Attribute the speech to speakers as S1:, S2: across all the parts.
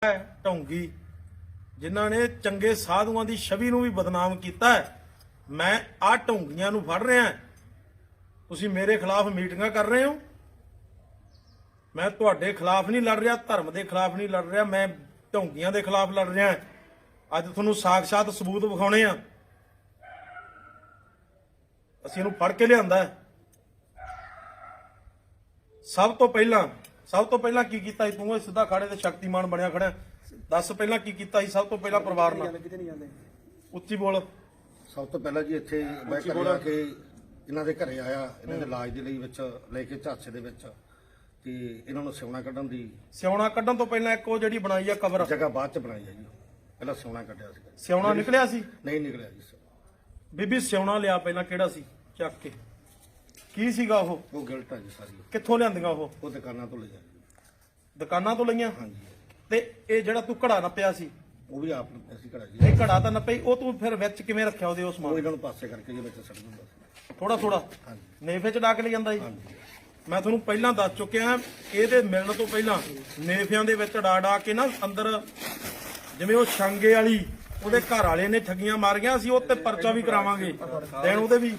S1: ਢੌਂਗੀ ਜਿਨ੍ਹਾਂ ਨੇ ਚੰਗੇ ਸਾਧੂਆਂ ਦੀ ਛਵੀ ਨੂੰ ਵੀ ਬਦਨਾਮ ਕੀਤਾ ਹੈ। ਮੈਂ ਆ ਢੌਂਗੀਆਂ ਨੂੰ ਫੜ ਰਿਹਾ, ਤੁਸੀਂ ਮੇਰੇ ਖਿਲਾਫ ਮੀਟਿੰਗਾਂ ਕਰ ਰਹੇ ਹੋ। ਮੈਂ ਤੁਹਾਡੇ ਖਿਲਾਫ ਨਹੀਂ ਲੜ ਰਿਹਾ, ਧਰਮ ਦੇ ਖਿਲਾਫ ਨਹੀਂ ਲੜ ਰਿਹਾ, ਮੈਂ ਢੌਂਗੀਆਂ ਦੇ ਖਿਲਾਫ ਲੜ ਰਿਹਾ। ਅੱਜ ਤੁਹਾਨੂੰ ਸਾਖਸ਼ਾਤ ਸਬੂਤ ਵਿਖਾਉਣੇ ਆ। ਅਸੀਂ ਇਹਨੂੰ ਫੜ ਕੇ ਲਿਆਂਦਾ। ਸਭ ਤੋਂ ਪਹਿਲਾਂ ਕੀ ਕੀਤਾ ਸੀ ਤੂੰ? ਸਿੱਧਾ ਖਾੜੇ ਤੇ ਸ਼ਕਤੀਮਾਨ ਬਣਿਆ ਖੜਾ। ਦੱਸ ਪਹਿਲਾਂ ਕੀ ਕੀਤਾ ਸੀ? ਸਭ ਤੋਂ ਪਹਿਲਾਂ ਪਰਿਵਾਰ ਨਾਲ ਉੱਚੀ ਬੋਲ।
S2: ਸਭ ਤੋਂ ਪਹਿਲਾਂ ਜੀ ਇੱਥੇ ਮੈਂ ਘਰੇ ਆ ਕੇ ਇਹਨਾਂ ਦੇ ਘਰੇ ਆਇਆ, ਇਹਨਾਂ ਦੇ ਇਲਾਜ ਦੇ ਲਈ ਵਿੱਚ ਲੈ ਕੇ ਝਾਂਸੇ ਦੇ ਵਿੱਚ, ਤੇ ਇਹਨਾਂ ਨੂੰ ਸਿਉਣਾ ਕੱਢਣ ਤੋਂ ਪਹਿਲਾਂ ਇੱਕ ਉਹ ਜਿਹੜੀ ਬਣਾਈ ਆ ਕਬਰ ਜਗ੍ਹਾ ਬਾਅਦ ਚ ਬਣਾਈ ਆ ਜੀ। ਪਹਿਲਾਂ ਸਿਉਣਾ ਕੱਢਿਆ ਸੀ।
S1: ਸਿਉਣਾ ਨਿਕਲਿਆ ਸੀ?
S2: ਨਹੀਂ ਨਿਕਲਿਆ ਜੀ।
S1: ਬੀਬੀ ਸਿਉਣਾ ਲਿਆ ਪਹਿਲਾਂ, ਕਿਹੜਾ ਸੀ? ਚੱਕ ਕੇ ਕੀ ਸੀਗਾ ਉਹ
S2: ਗਿਲਟ ਆ ਜੀ ਸਾਰੀ।
S1: ਕਿੱਥੋਂ ਲਿਆਂਦੀਆਂ ਉਹ
S2: ਦੁਕਾਨਾਂ ਤੋਂ ਲਈਆਂ ਜੀ।
S1: ਦੁਕਾਨਾਂ ਤੋਂ ਲਈਆਂ?
S2: ਹਾਂਜੀ।
S1: ਤੇ ਇਹ ਜਿਹੜਾ ਤੂੰ ਘੜਾ ਨੱਪਿਆ ਸੀ
S2: ਉਹ ਵੀ ਆਪ ਨੂੰ ਅਸੀਂ ਘੜਾ ਜੀ।
S1: ਇਹ ਘੜਾ ਤਾਂ ਨੱਪਈ, ਉਹ ਤੂੰ ਫਿਰ ਵਿੱਚ ਕਿਵੇਂ ਰੱਖਿਆ ਉਹਦੇ? ਉਸ ਸਮਾਨ
S2: ਇਹਨਾਂ ਨੂੰ ਪਾਸੇ ਕਰਕੇ ਜੀ ਵਿੱਚ ਸੱਟ ਦਿੰਦਾ ਸੀ
S1: ਥੋੜਾ।
S2: ਹਾਂਜੀ।
S1: ਨੇਫੇ ਚ ਡਾਕ ਲੈ ਜਾਂਦਾ ਜੀ।
S2: ਹਾਂਜੀ।
S1: ਮੈਂ ਤੁਹਾਨੂੰ ਪਹਿਲਾਂ ਦੱਸ ਚੁੱਕਿਆ, ਇਹਦੇ ਮਿਲਣ ਤੋਂ ਪਹਿਲਾਂ ਨੇਫਿਆਂ ਦੇ ਵਿੱਚ ਡਾ ਕੇ ਨਾ ਅੰਦਰ, ਜਿਵੇਂ ਉਹ ਛਾਂਗੇ ਵਾਲੀ ਉਹਦੇ ਘਰ ਵਾਲੇ ਨੇ ਠੱਗੀਆਂ ਮਾਰੀਆਂ, ਅਸੀਂ ਉਹ ਤੇ ਪਰਚਾ ਵੀ ਕਰਾਵਾਂਗੇ ਦੇਣ ਉਹਦੇ ਵੀ।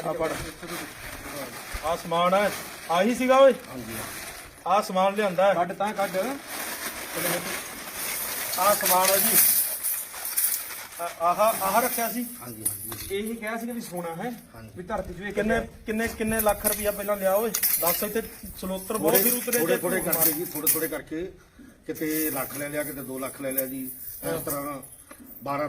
S1: ਆ ਸਮਾਨ ਹੈ, ਆਹੀ ਸੀਗਾ ਓਏ।
S2: ਹਾਂਜੀ।
S1: ਆ ਸਮਾਨ ਲਿਆਂਦਾ
S3: ਕੱਢ ਤਾਂ ਕੱਢ।
S1: ਆ ਸਮਾਨ ਹੈ ਜੀ। ਆਹ ਰੱਖਿਆ ਸੀ।
S2: ਹਾਂਜੀ। ਹਾਂਜੀ।
S1: ਇਹੀ ਕਿਹਾ ਸੀ ਕਿ ਵੀ ਸੋਨਾ ਹੈ
S2: ਹਾਂਜੀ।
S1: ਵੀ ਧਰਤੀ ਚ ਕਿੰਨੇ ਲੱਖ ਰੁਪਇਆ ਪਹਿਲਾਂ ਲਿਆ ਓਏ? ਦੱਸ। ਇੱਥੇ ਸਲੋਤਰ ਬਹੁਤ ਫਿਰ ਉਤਰੇ
S2: ਥੋੜੇ ਕਰਕੇ ਜੀ, ਥੋੜੇ ਕਰਕੇ ਕਿਤੇ ਲੱਖ ਲੈ ਲਿਆ, ਕਿਤੇ 2 ਲੱਖ ਲੈ ਲਿਆ ਜੀ। ਇਸ ਤਰ੍ਹਾਂ 12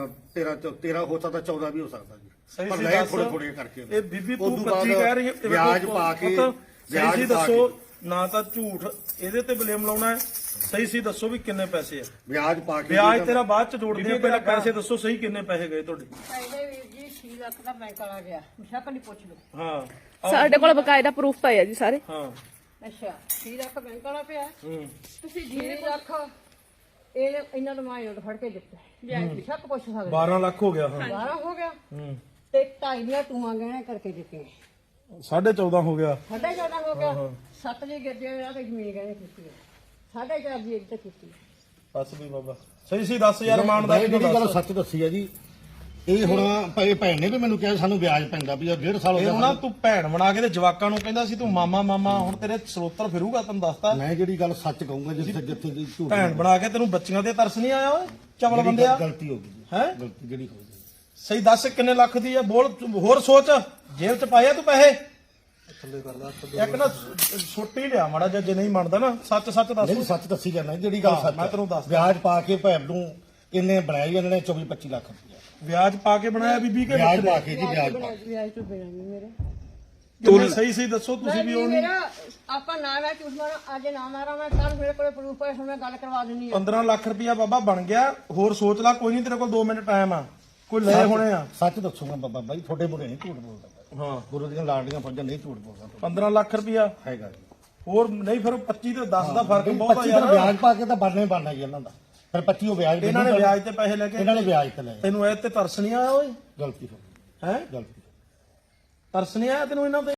S2: 13 ਹੋ ਸਕਦਾ, 14 ਵੀ ਹੋ ਸਕਦਾ ਜੀ।
S1: ਸਹੀ
S2: ਪਰ
S1: ਸੀ
S2: ਲੈ
S1: ਦੱਸ।
S2: ਥੋੜੇ ਕਰਕੇ
S1: ਇਹ ਬੀਬੀ ਤੂੰ 25 ਕਹਿ ਰਹੀ ਹੈ,
S2: ਵਿਆਜ ਪਾ ਕੇ
S1: ਸਹੀ ਸੀ ਦੱਸੋ, ਨਾ ਤਾਂ ਝੂਠ ਇਹਦੇ ਤੇ ਬਲੇਮ ਲਾਉਣਾ ਹੈ। ਸਹੀ ਸੀ ਦੱਸੋ ਵੀ ਕਿੰਨੇ ਪੈਸੇ ਆ?
S2: ਵਿਆਜ ਪਾ ਕੇ
S1: ਵਿਆਜ ਤੇਰਾ ਬਾਅਦ ਚ ਜੋੜਦੇ ਆ, ਪਹਿਲਾਂ ਪੈਸੇ ਦੱਸੋ ਸਹੀ ਕਿੰਨੇ ਪੈਸੇ ਗਏ ਤੁਹਾਡੇ?
S4: ਪਹਿਲੇ ਵੀਰ ਜੀ 6 ਲੱਖ ਦਾ ਬੈਂਕ ਵਾਲਾ ਗਿਆ, ਸ਼ੱਕ ਨਹੀਂ ਪੁੱਛ ਲਓ।
S1: ਹਾਂ
S5: ਸਾਡੇ ਕੋਲ ਬਕਾਇਦਾ ਪ੍ਰੂਫ ਪਏ ਆ ਜੀ ਸਾਰੇ।
S1: ਹਾਂ।
S4: ਅੱਛਾ 6 ਲੱਖ ਬੈਂਕ ਵਾਲਾ ਪਿਆ,
S5: ਤੁਸੀਂ
S4: 6 ਲੱਖ ਇਹ ਇਹਨਾਂ ਨੂੰ ਮੈਂ ਨੋਟ ਫੜ ਕੇ ਦਿੱਤਾ। ਵਿਆਜ ਸ਼ੱਕ ਪੁੱਛ ਸਕਦੇ
S1: 12 ਲੱਖ ਹੋ ਗਿਆ। ਹਾਂ
S4: 12 ਹੋ ਗਿਆ ਤੇ 2.5 ਦੀਆਂ ਟੂਆਂ ਗਹਿਣੇ ਕਰਕੇ ਦਿੱਤੀਆਂ।
S1: 14.5 ਹੋ ਗਿਆ।
S4: 14.5 ਹੋ ਗਿਆ। 7 ਜੀ ਗੱਜੇ ਆ ਤੇ ਜ਼ਮੀਨ ਗਹਿਣੇ ਕੀਤੀ 4.5 ਦੀ ਇੱਕ ਤੇ ਕੀਤੀ।
S1: ਬਸ ਵੀ ਬਾਬਾ ਸਹੀ ਸੀ ਦੱਸ ਯਾਰ। ਇਮਾਨਦਾਰੀ
S2: ਜਿਹੜੀ ਗੱਲ ਸੱਚ ਦੱਸੀ ਹੈ ਜੀ। ਇਹ ਹੁਣ ਭੈਣ ਨੇ ਵੀ ਮੈਨੂੰ ਕਿਹਾ ਸਾਨੂੰ ਵਿਆਜ ਪੈਂਦਾ ਵੀ 1.5 ਸਾਲ ਹੋ
S1: ਇਹ ਹੁਣ ਤੂੰ ਭੈਣ ਬਣਾ ਕੇ ਤੇ ਜਵਾਕਾਂ ਨੂੰ ਕਹਿੰਦਾ ਸੀ ਤੂੰ ਮਾਮਾ, ਹੁਣ ਤੇਰੇ ਸਰੋਤਰ ਫਿਰੂਗਾ। ਤੈਨੂੰ ਦੱਸਤਾ
S2: ਮੈਂ ਜਿਹੜੀ ਗੱਲ ਸੱਚ ਕਹੂੰਗਾ, ਜਿੱਥੇ ਦੀ ਝੂਠ
S1: ਭੈਣ ਬਣਾ ਕੇ ਤੈਨੂੰ ਬੱਚੀਆਂ ਤੇ ਤਰਸ ਨਹੀਂ ਆਇਆ ਓਏ? ਚਵਲ ਬੰਦਿਆ,
S2: ਗਲਤੀ ਹੋ ਗਈ
S1: ਹੈ
S2: ਗਲਤੀ ਜਿਹੜੀ ਹੋ ਗਈ।
S1: ਸਹੀ ਦੱਸ ਕਿੰਨੇ ਲੱਖ ਦੀ ਆ? ਬੋਲ ਹੋਰ ਸੋਚ। ਜੇਬ ਚ ਪਾਇਆ ਤੂੰ ਪੈਸੇ? ਇੱਕ ਨਾ ਛੋਟੀ ਲਿਆ ਮਾੜਾ ਜਿਹਾ, ਜੇ ਨਹੀਂ ਮੰਨਦਾ ਨਾ ਸੱਚ ਦੱਸ।
S2: ਨਹੀਂ ਸੱਚ ਦੱਸੀ ਜਾਂਦਾ ਜਿਹੜੀ ਗੱਲ ਸੱਚ।
S1: ਮੈਂ ਤੈਨੂੰ ਦੱਸ
S2: ਵਿਆਜ ਪਾ ਕੇ ਭੈਣ ਨੂੰ ਇਹਨੇ ਬਣਾਈ, ਇਹਨਾਂ ਨੇ 24-25 ਲੱਖ ਰੁਪਇਆ
S1: ਵਿਆਜ ਪਾ ਕੇ ਬਣਾਇਆ ਬੀਬੀ ਕੇ?
S2: ਵਿਆਜ ਪਾ ਕੇ ਜੀ, ਵਿਆਜ ਪਾ ਕੇ।
S4: ਵਿਆਜ ਤੋਂ ਬਿਨਾਂ ਵੀ ਮੇਰੇ
S1: ਤੂੰ ਸਹੀ ਦੱਸੋ ਤੁਸੀਂ ਵੀ ਉਹ
S4: ਮੇਰਾ ਆਪਾਂ ਨਾ ਮੈਂ ਝੂਠ ਮਾਰਾਂ, ਅੱਜ ਨਾ ਮਾਰਾਂ ਮੈਂ, ਕੱਲ ਮੇਰੇ ਕੋਲ ਪ੍ਰੂਫ ਹੈ, ਹੁਣ ਮੈਂ ਗੱਲ ਕਰਵਾ ਦਿੰਨੀ ਆ।
S1: 15 ਲੱਖ ਰੁਪਇਆ ਬਾਬਾ ਬਣ ਗਿਆ। ਹੋਰ ਸੋਚ ਲੈ, ਕੋਈ ਨਹੀਂ ਤੇਰੇ ਕੋਲ 2 ਮਿੰਟ ਟਾਈਮ ਆ। ਕੋਈ ਲਏ ਹੋਣੇ ਆ।
S2: ਸੱਚ ਦੱਸੂਗਾ ਬਾਬਾ ਬਾਈ, ਤੁਹਾਡੇ ਮੁੰਡੇ ਨਹੀਂ ਝੂਠ ਬੋਲਦਾ।
S1: ਹਾਂ
S2: ਗੁਰੂ ਦੀਆਂ ਲਾਡਲੀਆਂ ਫੌਜਾਂ ਨਹੀਂ ਝੂਠ ਬੋਲਦਾ।
S1: 15 ਲੱਖ ਰੁਪਇਆ
S2: ਹੈਗਾ ਜੀ।
S1: ਹੋਰ ਨਹੀਂ ਫਿਰ 25 ਤੇ 10 ਦਾ ਫਰਕ ਬਹੁਤ ਆ
S2: 25
S1: ਯਾਰ।
S2: ਦਾ ਵਿਆਜ ਪਾ ਕੇ ਤਾਂ ਬਣਨਾ ਜੀ ਇਹਨਾਂ ਦਾ। ਫਿਰ 25 ਉਹ ਵਿਆਜ
S1: ਇਹਨਾਂ ਨੇ ਵਿਆਜ ਤੇ ਪੈਸੇ ਲੈ ਕੇ,
S2: ਇਹਨਾਂ ਨੇ ਵਿਆਜ ਤੇ ਲਏ।
S1: ਤੈਨੂੰ ਇਹ ਤੇ ਤਰਸ ਨਹੀਂ ਆਇਆ ਓਏ?
S2: ਗਲਤੀ ਹੋ ਗਈ।
S1: ਹੈ
S2: ਗਲਤੀ।
S1: ਤਰਸ ਨਹੀਂ ਆਇਆ ਤੈਨੂੰ ਇਹਨਾਂ ਤੇ?